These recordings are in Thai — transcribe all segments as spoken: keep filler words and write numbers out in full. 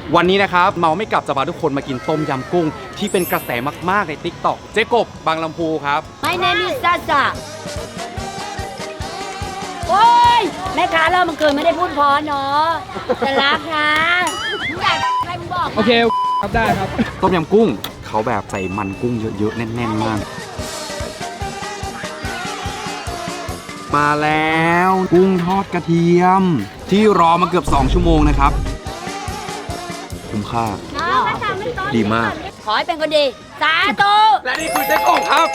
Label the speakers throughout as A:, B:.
A: วันนี้นะครับเมาไม่กลับจะพาทุกคนมากินต้มยำกุ้งที่เป็นกระแสมากๆใน ติ๊กต็อก เจ๊กบบางลำพูครับ
B: My name is Sasa โอ้ยแม่ค้าเรามันเกินไม่ได้พูดพอเนาะแต่รักนะอยากใครมึงบอก
C: โอเคครับได้ครับ
A: ต้มยำกุ้งเขาแบบใส่มันกุ้งเยอะๆแน่นๆมากมาแล้วกุ้งทอดกระเทียมที่รอมาเกือบสองชั่วโมงนะครับคุ้มค่าดีมาก
B: ขอให้เป็นคนดีสาธุ
A: และนี่คือเจ๊กบครับ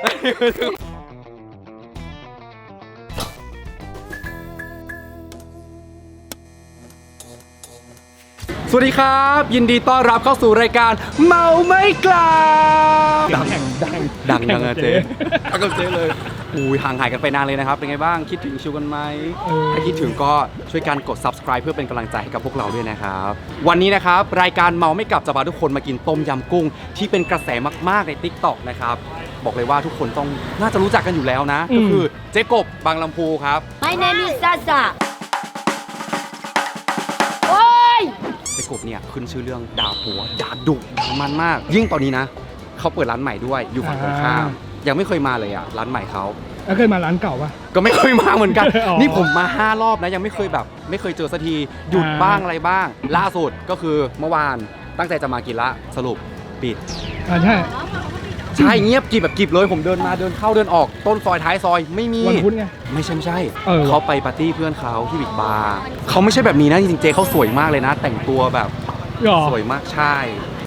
A: สวัสดีครับยินดีต้อนรับเข้าสู่รายการเมาไม่กลับดังดังดังดังอะเจ๊ดังกับเจ๊เลยอุ้ยห่างหายกันไปนานเลยนะครับเป็นไงบ้างคิดถึงชิวกันไหมถ้าคิดถึงก็ช่วยกันกด ซับสไครบ์ เพื่อเป็นกำลังใจให้กับพวกเราด้วยนะครับวันนี้นะครับรายการเมาไม่กลับจะพาทุกคนมากินต้มยำกุ้งที่เป็นกระแสมากๆใน ติ๊กต็อก นะครับบอกเลยว่าทุกคนต้องน่าจะรู้จักกันอยู่แล้วนะก็คือเจ๊กบบางลำพูครับ
B: My name is Sasa โอ้ย
A: เจ๊กบเนี่ยขึ้นชื่อเรื่องด่าผัวด่าดุด่ามันมากยิ่งตอนนี้นะเขาเปิดร้านใหม่ด้วยอยู่ฝั่งตรงข้ามยังไม่เคยมาเลยอ่ะร้านใหม่เขา
C: แล้วเคยมาร้านเก่าปะ
A: ก็ไม่เคยมาเหมือนกัน นี่ผมมาห้ารอบนะยังไม่เคยแบบไม่เคยเจอสักทีหยุดบ้างอะไรบ้างล่าสุดก็คือเมื่อวานตั้งใจจะมากินละสรุปปิด
C: อ่าใช่
A: ใช่เงียบกริบแบบกริบเลยผมเดินมาเดินเข้าเดินออกต้นซอยท้ายซอยไม่มี
C: วันพุธไง
A: ไม่ใช่ไม่ใช่
C: เออ
A: เขาไปปาร์ตี้เพื่อนเขาที่บิ๊กบาร์เขาไม่ใช่แบบนี้นะจริงๆเจเขาสวยมากเลยนะ แต่งตัวแบบสวยมากใช่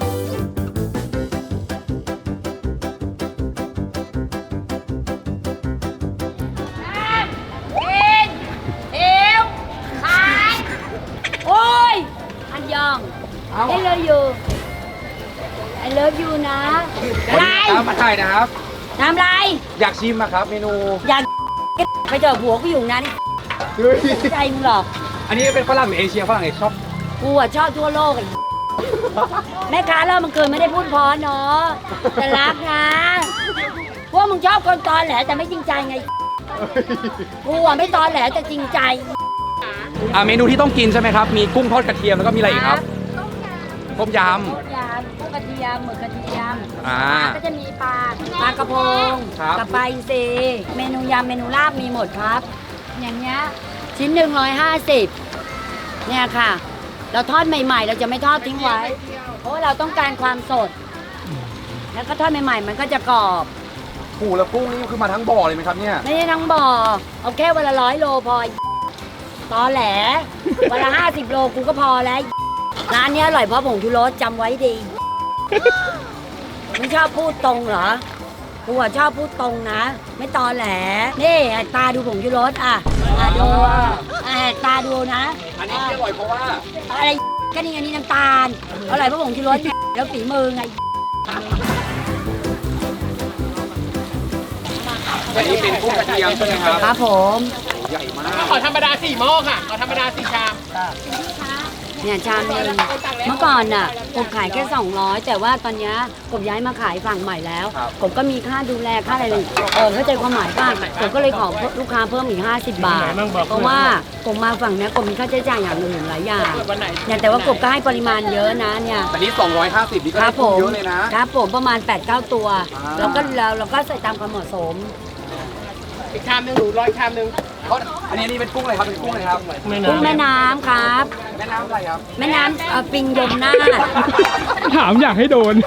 B: I love you I love you นะอะไร
A: มาถ่ายนะครับ
B: น้ำไร
A: อยากชิมอะครับเมนู
B: อยากไปเจอผัวกูอยู่นั้นใจมึงหรอ
A: อันนี้เป็นฝรั่งหรือเอเชียฝรั่งเอชอบ
B: กูอะชอบทั่วโลกไอ้แม่ค้าเรามันเกินไม่ได้พูดพอเนาะแต่รักนะพวกมึงชอบคนตอนแหลแต่ไม่จริงใจไงกูอะไม่ตอนแหลแต่จริงใจ
A: อ่าเมนูที่ต้องกินใช่ไหมครับมีกุ้งทอดกระเทียมแล้วก็มีอะไรอีกครับต้มยำ
B: ต้มยำกุ้งกระเทียมหมึกกระเทียม
A: อ่า
B: ก็จะมีปลาปลากระพงกับปลาอินทรีเมนูยำเมนูลาบมีหมดครับอย่างเงี้ยชิ้นหนึ่งร้อยห้าสิบเนี่ยค่ะเราทอดใหม่ๆเราจะไม่ทอดทิ้งไว้เพราะว่าเราต้องการความสดแล้วก็ทอดใหม่ๆมันก็จะกรอบ
A: ปูแล้วกุ้งนี่คือมาทั้งบ่อเลยไหมครับเนี่ย
B: ไม่ใช่ทั้งบ่อเอาแค่วันละร้อยโลพอตอแหลวันละห้าสิบโลกูก็พอแล้วร้านนี้อร่อยเพราะผงชูรสจำไว้ดีไม่ชอบพูดตรงเหรอกูอะชอบพูดตรงนะไม่ตอแหลนี่ตาดูผงชูรสอ่ะดูอ่ะตาดูนะ
A: อันนี้อร่อยเพราะว่า
B: อะไรก็นี่อันนี้น้ำตาลอร่อยเพราะผงชูรสแล้วฝีมือไง
A: อันนี้เป็นกุ้งกระเทียมใช่ไหมครับ
B: ครับผม
A: ใหญ่มาก
C: ขอธรรมดาสี่หม้อค่ะขอธรรมดาสี่ชาม
B: เนี่ยชามนึงเมื่อก่อนน่ะกบขายแค่สองร้อยแต่ว่าตอนนี้กบย้ายมาขายฝั่งใหม่แล้วกบก็มีค่าดูแลค่าอะไรเลยเออเข้าใจความหมายป่ะกบก็เลยขอลูกค้าเพิ่มอีกห้าสิบบาทเพราะว่ากบมาฝั่งนี้กบมีค่าใช้จ่ายอย่างอื่นหลายอย่างเนี่ยแต่ว่ากบก็ให้ปริมาณเยอะนะเนี่ย
A: แต่นี้สองร้อยห้าสิบนี่ก็ได้เยอะเลยนะครับ
B: ผมประมาณ แปดเก้า ตัวแล้วก็เราเราก็ใส่ตามความเหมาะสม
C: อีกชามนึงหนูร้อยชามนึง
A: อันนี้นี่เป็นกุ้งอะไรครับเป็นกุ้งอะไรครับ
B: กุ้งแม่น้ำครับ
A: แม่น้ำอะไรครับ
B: แม่น้ำปิงยมนาถ
C: ถามอยากให้โดน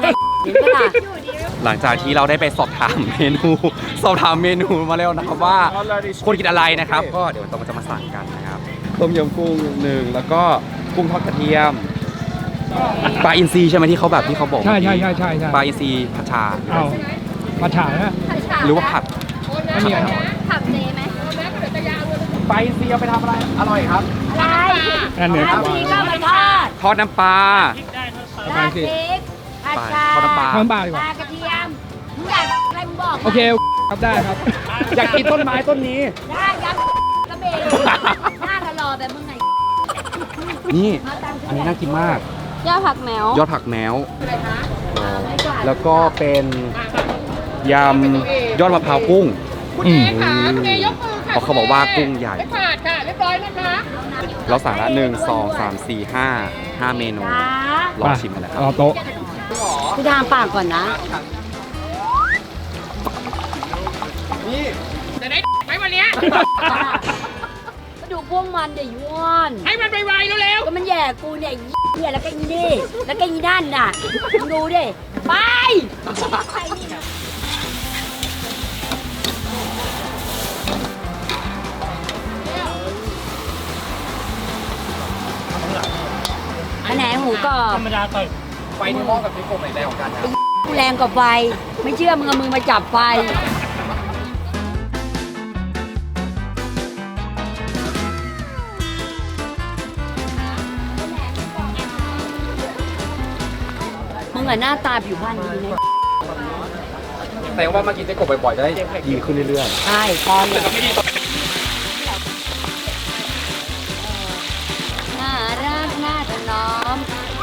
A: หลังจากที่เราได้ไปสอบถามเมนูสอบถามเมนูมาแล้วนะครับว่าคนกินอะไรนะครับก็เดี๋ยวต้องจะมาสั่งกันนะครับต้มยำกุ้งหนึ่งแล้วก็กุ้งทอดกระเทียมปลาอินทรีใช่ไหมที่เขาแบบที่เขาบอก
C: ใช่ใช่ใช่ใช่
A: ปลาอินทรีผัดชา
C: เอาผัดชานะ
A: หรือว่าผัด
B: ผัดเจไหม
A: ปลาอินทรีเอาไปทำอะไรอร่อยครับ
B: อะไร
C: อันเนี้ย
B: ก็ไปทอด
A: ทอดน้ำปลา
B: ราดพริกผัดชา
A: ทอดน้ำปลา
C: ทอดน้ำปลาดีกว่า
B: ปลากระเทียมมึงอยากอะไรมึงบอก
C: โอเคครับได้ครับ
A: อยากกินต้นไม้ต้นนี้
B: ได้ยับกระเบนหน้าทะลอแบบมึงไง
A: นี่อันนี้น่ากินมาก
B: ยอดผักแมวย
A: อดผักแมวแล้วก็เป็นยำยอดมะพร้าวกุ้ง
C: อืม
A: เพราะเขาบอกว่ากุ้งใหญ่
C: รียบร้อยนะคะ
A: เราสั่งละหนึ่งสองสามสี่ห้าห้าเมนูลองชิมกันนะครับ
C: รอโต๊ะ
B: พี่ทางปากก่อนนะ
C: จะได้ไหมวันเนี้ย
B: ก็ดูพวกมันเดี๋ยวย้วน
C: ให้มันไวๆเร็ว
B: ก็มันแย่กูเนี่ยเหี้ยแล้วก็อีนี่แล้วก็อีนั่นน่ะมึงดูดิไปอันไหนหมูกรอบ
C: ธรรมดาต่อย
A: ไฟที่หม้อกับที่โคมไหนแรงกว่ากันครับ
B: กูแรงกว่าไฟไม่เชื่อมึงเอามือมาจับไฟ มึงอะหน้าตาผิวพรรณดีนะ
A: แต่ว่ามากินเจ๊กบบ่อยๆจะได้ดีขึ้นเรื่อย
B: ใช่ตอนเนี่ยน่ารักน่าถนอม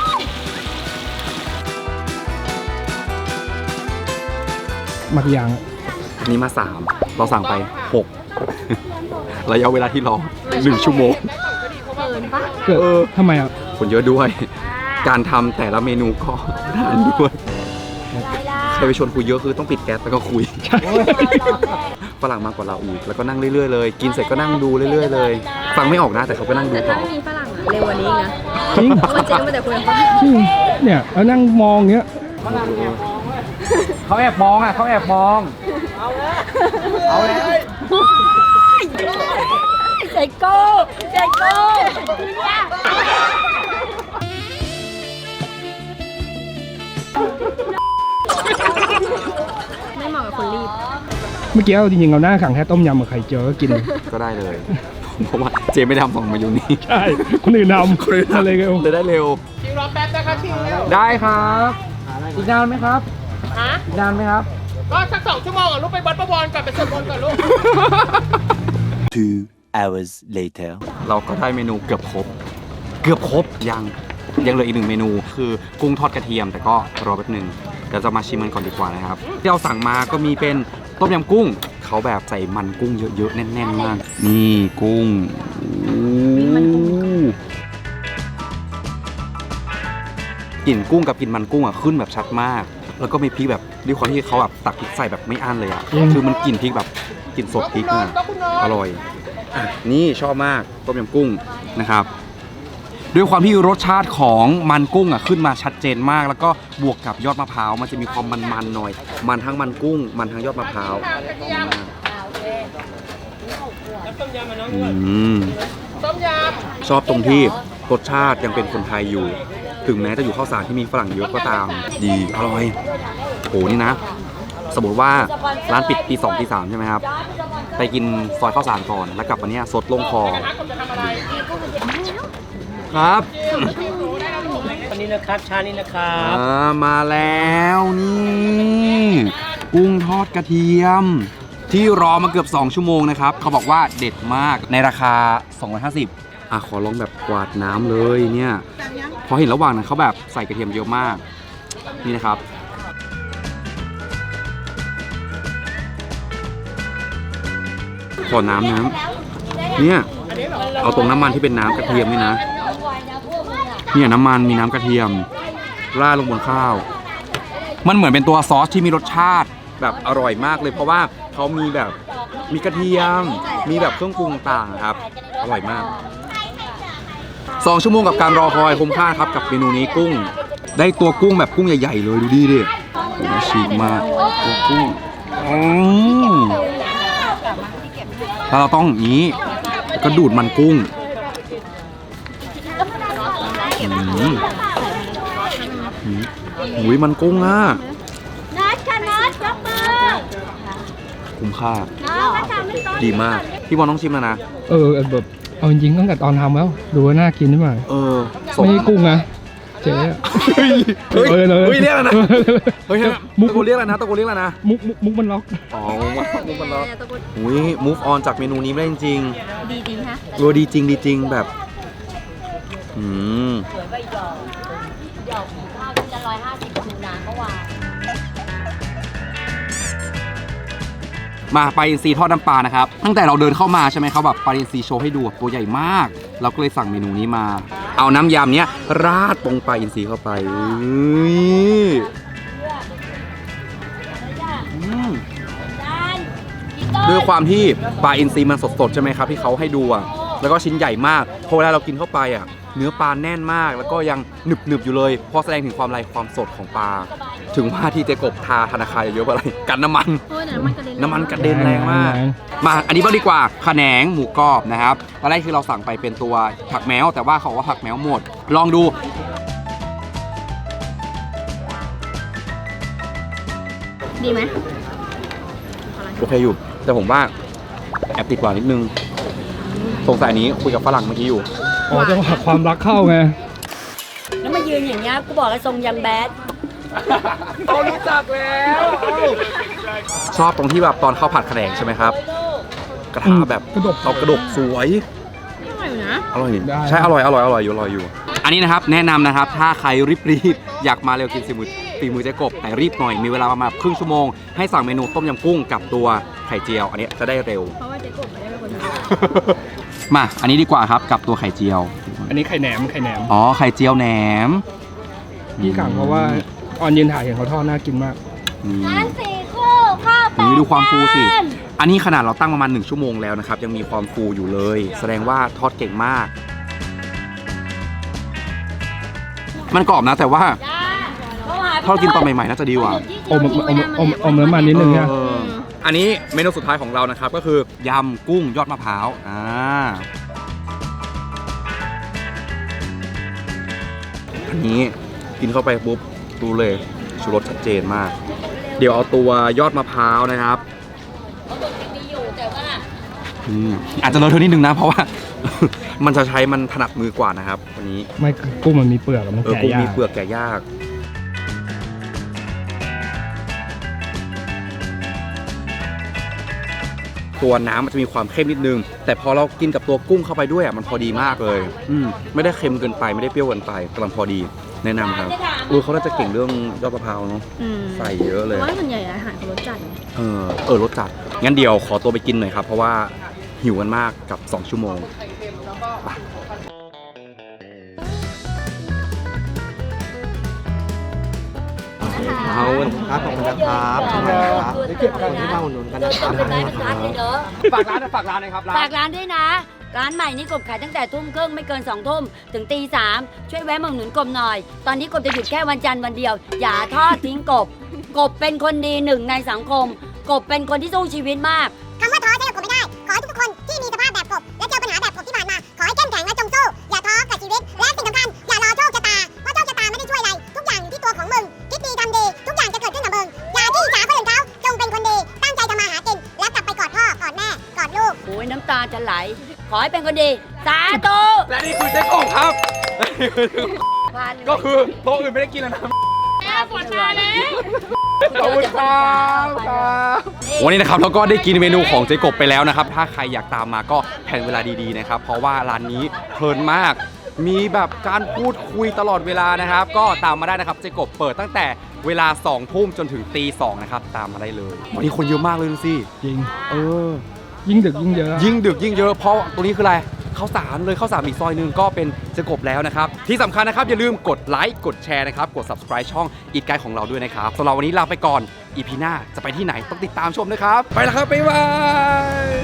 C: มากี่อย่าง
A: ๆอันนี้มาสามเราสั่งไปหก ระยะเวลาที่รอหนึ่งชั่วโมง
C: เกิด
A: เออ
C: ทำไมอ่ะ
A: คนเยอะด้วย การทำแต่ละเมนูก็นานด้วยใครไปชวนคุยเยอะคือต้องปิดแก๊สแล้วก็คุย ฝรั่งมากกว่าเราอีกแล้วก็นั่งเรื่อยๆเลย กินเสร็จก็นั่งดูเรื่อยๆเลย ฟังไม่ออกนะแต่เขาก็นั่งดู
D: แต่
A: ต่
D: ถ้า
A: อ
D: ไม่มีฝรั่งอะเร็วกว่านี้อีกนะ
C: จริง
D: เพราะว่าเจ๊มาแต่คุยกับฝรั่ง
C: จริงเนี่ยแล้วนั่งมองอย่างเงี้ย
A: เขาแอบมองอ่ะเขาแอบมอง เอาแล้ว
B: ใจโก้ใจโก้เนี่ย
D: ไม่เหมาะกับคนรีบ
C: เมื่อกี้เอาจริงๆเอาหน้าขังแค่ต้มยำกับไข่เจียวก็กิน
A: ก็ได้เลย เพราะว่าเจไม่ได้ทำของมาอยู่นี่
C: ใช่ คนอื่นทำคนอื่นอะไรกัน
A: เลยได้เร็ว
C: ชิงรอแป๊บนะคะชิงเร็ว
A: ได้ครับ อีกนานไหมครับ
C: ฮะ
A: อีกนานไหมครับ
C: ก็สักสองชั่วโมงอ่ะลูกไปวัดประวรก่อนไปสวดมนต์ก่อนลูก
E: Two hours later.
A: เราก็ได้เมนูเกือบครบ เกือบครบยังยังเหลืออีกหนึ่งเมนู คือกุ้งทอดกระเทียม แต่ก็รอแป๊บหนึ่งเดี๋ยวจะมาชิมมันก่อนดีกว่านะครับ ที่เราสั่งมาก็มีเป็นต้มยำกุ้ง เขาแบบใส่มันกุ้งเยอะๆแน่นๆมาก นี่กุ้งกลิ่นกุ้งกับกลิ่นมันกุ้งอ่ะขึ้นแบบชัดมาก แล้วก็มีพริกแบบด้วยความที่เขาแบบตักพริกใส่แบบไม่อั้นเลยอ่ะ คือมันกลิ่นพริกแบบกลิ่นสดพริกอ่ะอร่อยอ่ะนี่ชอบมากต้มยำกุ้งนะครับ ด้วยความที่รสชาติของมันกุ้งอ่ะขึ้นมาชัดเจนมาก แล้วก็บวกกับยอดมะพร้าวมันจะมีความมันๆหน่อย มันทั้งมันกุ้ง มันทั้งยอดมะพร้าวอืม
C: ต้มย
A: ชอบตรงที่รสชาติยังเป็นคนไทยอยู่ ถึงแม้จะอยู่ข้าวสารที่มีฝรั่งเยอะก็ตามดีอร่อยโหนี่นะ สมมติว่าร้านปิดตีสองตีสามใช่ไหมครับ ไปกินซอยข้าวสารก่อนแล้วกลับมาเนี้ยสดลงคอครับ
C: ำวันนี้นะครับชานี้นะครับ
A: อ่ามาแล้วนี่กุ้งทอดกระเทียม ที่รอมาเกือบสองชั่วโมงนะครับเขาบอกว่าเด็ดมากในราคาสองร้อยห้าสิบอ่ะขอลองแบบกวาดน้ำเลยเนี่ยพอเห็นระหว่างนั้นเขาแบบใส่กระเทียมเยอะมากนี่นะครับขอน้ำน้ำเนี่ยเอาตรงน้ำมันที่เป็นน้ำกระเทียมนี่นะเนี่ยน้ำมันมีน้ำกระเทียมราดลงบนข้าว มันเหมือนเป็นตัวซอสที่มีรสชาติแบบอร่อยมากเลย เพราะว่าเขามีแบบมีกระเทียม มีแบบเครื่องปรุงต่างครับอร่อยมากสองชั่วโมงกับการรอคอยคุ้มค่าครับกับเมนูนี้กุ้ง ได้ตัวกุ้งแบบกุ้งใหญ่ๆเลยดูดิดิโอ้โหฉีกมากตัวกุ้งอืมแล้วเราต้องอย่างนี้ก็ดูดมันกุ้งอืมอืมอุ้ยมันกุ้งอ่ะ
B: นัดค่ะนัดยกมือ
A: คุ้มค่า
B: น้องมาทำไม่ต้น
A: ดีมาก พี่บอลต้องชิมแล้วนะ
C: เออแบบเอาจริงๆตั้งแต่ตอนทำแล้ว ดูว่าน่ากินหรือเปล่า
A: เออ
C: ไม่ใช่กุ้งนะเจ๊อะ
A: เฮ้ยเฮ้ย
C: เออเลย
A: เฮ้ยเรียกอะไรนะเฮ้ย
C: มุ
A: ตะ
C: ก
A: โกนเรียกอะไรนะตะโกนเรียกอะไรนะ
C: มุกมุกมุกมันล็อก
A: อ๋อมุกมุกมันแล้วอุ้ย move on จากเมนูนี้ไม่ได้จริง
D: ดีจริงฮะ
A: ๆโรดีจริงดีจริงแบบอืม
B: สวยใบหยอกหยอกหูข้าวที่จะร้อยห้าสิบคูนาก็วาง
A: มาปลาอินทรีทอดน้ำปลานะครับตั้งแต่เราเดินเข้ามาใช่ไหมเขาแบบปลาอินทรีโชว์ให้ดูตัวใหญ่มาก เราก็เลยสั่งเมนูนี้มา เอาน้ำยำเนี้ยราดตรงปลาอินทรีเข้าไปด้วยความที่ปลาอินทรีมันสดๆใช่ไหมครับที่เขาให้ดูอ่ะแล้วก็ชิ้นใหญ่มากพอเวลาเรากินเข้าไปอ่ะเนื้อปลาแน่นมากแล้วก็ยังหนึบๆอยู่เลยพอแสดงถึงความไรความสดของปลาถึงว่าที่เจกบทาธนาคารเยอะๆอะไรกันน้ำมัน
D: โอ้ยน้ำมันกระเด็น
A: น้ำมันกระเด็นแรงมากมาอันนี้บ้างดีกว่าขะแหนงหมูกรอบนะครับตอนแรกคือเราสั่งไปเป็นตัวผักแมวแต่ว่าเขาบอกว่าผักแมวหมดลองดู
D: ดีไหม
A: โอเคอยู่แต่ผมว่าแอบติดหวานนิดนึงสงสัยนี้คุยกับฝรั่งเมื่อกี้อยู่
C: อ๋อจังหวะความรักเข้าไง
B: แล้วมายืนอย่างเงี้ยกูบอกแล้วทรงยังแบด
A: เขารู้จักแล้วชอบตรงที่แบบตอนข้าวผัดขะแหนงใช่ไหมครับกระทะแบบ
C: กระดก
A: เอากระดกสวย
D: อร่อยอยู่นะ
A: อร่อย
C: ได้
A: ใช่อร่อยอร่อยอร่อยอยู่อร่อยอยู่ อันนี้นะครับแนะนำนะครับถ้าใครรีบๆอยากมาเร็วกินสีมือตีมือเจ๊กบแต่รีบหน่อยมีเวลาประมาณครึ่งชั่วโมงให้สั่งเมนูต้มยำกุ้งกับตัวไข่เจียว อันนี้จะได้เร็ว
D: เพราะว่าเจ๊กบไม่ได้เป็นคนท
A: มาอันนี้ดีกว่าครับกับตัวไข่เจียว
C: อันนี้ไข่แหนมไข่แหนม
A: อ๋อไข่เจียวแหนม
C: พี่กังเพราะว่าออนยืนถ่ายเห็นเขาทอดน่ากินมาก
A: นี่
B: ร้านสี่คู่ข้าวแปด
A: นี่ดูความฟูสิ อันนี้ขนาดเราตั้งประมาณหนึ่งชั่วโมงแล้วนะครับยังมีความฟูอยู่เลย แสดงว่าทอดเก่งมาก มันกรอบนะแต่ว่าถ้าเรากินตอนใหม่ๆน่าจะดีกว่า
C: อมอมอมอมน้ำมันนิดนึงนะ
A: เอออันนี้เมนูสุดท้ายของเรานะครับก็คือยำกุ้งยอดมะพร้าวอ่าอันนี้กินเข้าไปปุ๊บดูเลยชูรสชัดเจนมาก เดี๋ยวเอาตัวยอดมะพร้าวนะครับอืมอาจจะเลอะเทอะนิดนึงนะเพราะว่า มันจะใช้มันถนัดมือกว่านะครับวันนี้
C: ไม่กุ้งมันมีเปลือกอะมัน
A: เออ
C: แก่
A: กุ้ง
C: ยา
A: มี
C: ก
A: เปลือกแก่ยาก ตัวน้ำมันจะมีความเข้มนิดนึง แต่พอเรากินกับตัวกุ้งเข้าไปด้วยอ่ะมันพอดีมากเลย อืมไม่ได้เค็มเกินไปไม่ได้เปรี้ยวเกินไปกำลังพอดีแนะนำครับเออเขาน่าจะเก่งเรื่องยอดมะพร้าวเนาะ
D: ำอืม
A: ใส่เยอะ
D: เพ
A: เลย
D: ราะว่าส่วนใหญ่อาหารเขารสจัดไง
A: เออเออรสจัดงั้นเดี๋ยวขอตัวไปกินหน่อยครับเพราะว่าหิวกันมากกับสองชั่วโมงไปเอา
F: ครับขอบคุณนะครับขอบคุณครับเก็บของที่มาอุดหนุนกันนะครับ
B: เป็นไม้บรรทัดเลยเนอะ
A: ฝากร้านฝากร้านนะครับร้าน
B: ฝากร้านด้วยนะ ร้านใหม่นี่กบขายตั้งแต่ทุ่มครึ่งไม่เกินสองทุ่มถึงตีสามช่วยแวะมาอุดหนุนกบหน่อย ตอนนี้กบจะหยุดแค่วันจันทร์วันเดียว อย่าทอดทิ้งกบ กบเป็นคนดีหนึ่งในสังคม กบเป็นคนที่สู้ชีวิตมาก
G: คำว่าท้อใช้กับกบไม่ได้ ขอให้ทุกๆคนที่มีสภาพแบบกบ และเจอปัญหาแบบกบที่ผ่านมา ขอให้เข้มแข็งและจงสู้ อย่าท้อกับชีวิต และสิ่งสำคัญ อย่ารอโชคชะตา เพราะโชคชะตาไม่ได้ช่วยอะไร ทุกอย่างอยู่ที่ตัวของมึง คิดดีทำดี ทุกอย่างจะเกิดขึ้นกับมึง อย่าที่อิจฉาคนอื่นเขา จงเป็นคนดี ตั้งใจทำมาหากิน แล้วกลับไปกอดพ่อ กอดแม่ กอดลูก
B: โอ้ยน้ำตาจะไหล ขอให้เป็นคนดี สาธุ
A: และนี่คือเจ๊กบครับ ก็คือโต๊ะอื่นไม่ได้กินแล้วนะขอบคุณครับวันนี้นะครับเราก็ได้กินเมนูของเจ๊กบไปแล้วนะครับถ้าใครอยากตามมาก็แผนเวลาดีๆนะครับเพราะว่าร้านนี้เพลินมาก มีแบบการพูดคุยตลอดเวลานะครับ ก็ตามมาได้นะครับเจ๊กบเปิดตั้งแต่เวลาสองทุ่มจนถึงตีสองนะครับตามมาได้เลยวันนี้คนเยอะมากเลยดูสิ
C: จริง
A: เออ
C: ยิ่งดึกยิ่งเยอะ
A: ยิ่งดึกยิ่งเยอะเพราะตรงนี้คืออะไรข้าวสารเลยข้าวสารอีกซอยหนึงก็เป็นเจ๊กบแล้วนะครับที่สำคัญนะครับอย่าลืมกดไลค์กดแชร์นะครับกด ซับสไครบ์ ช่องอีทไกด์ของเราด้วยนะครับสำหรับวันนี้ลาไปก่อนอีพีหน้าจะไปที่ไหนต้องติดตามชมนะครับไปแล้วครับบ๊ายบาย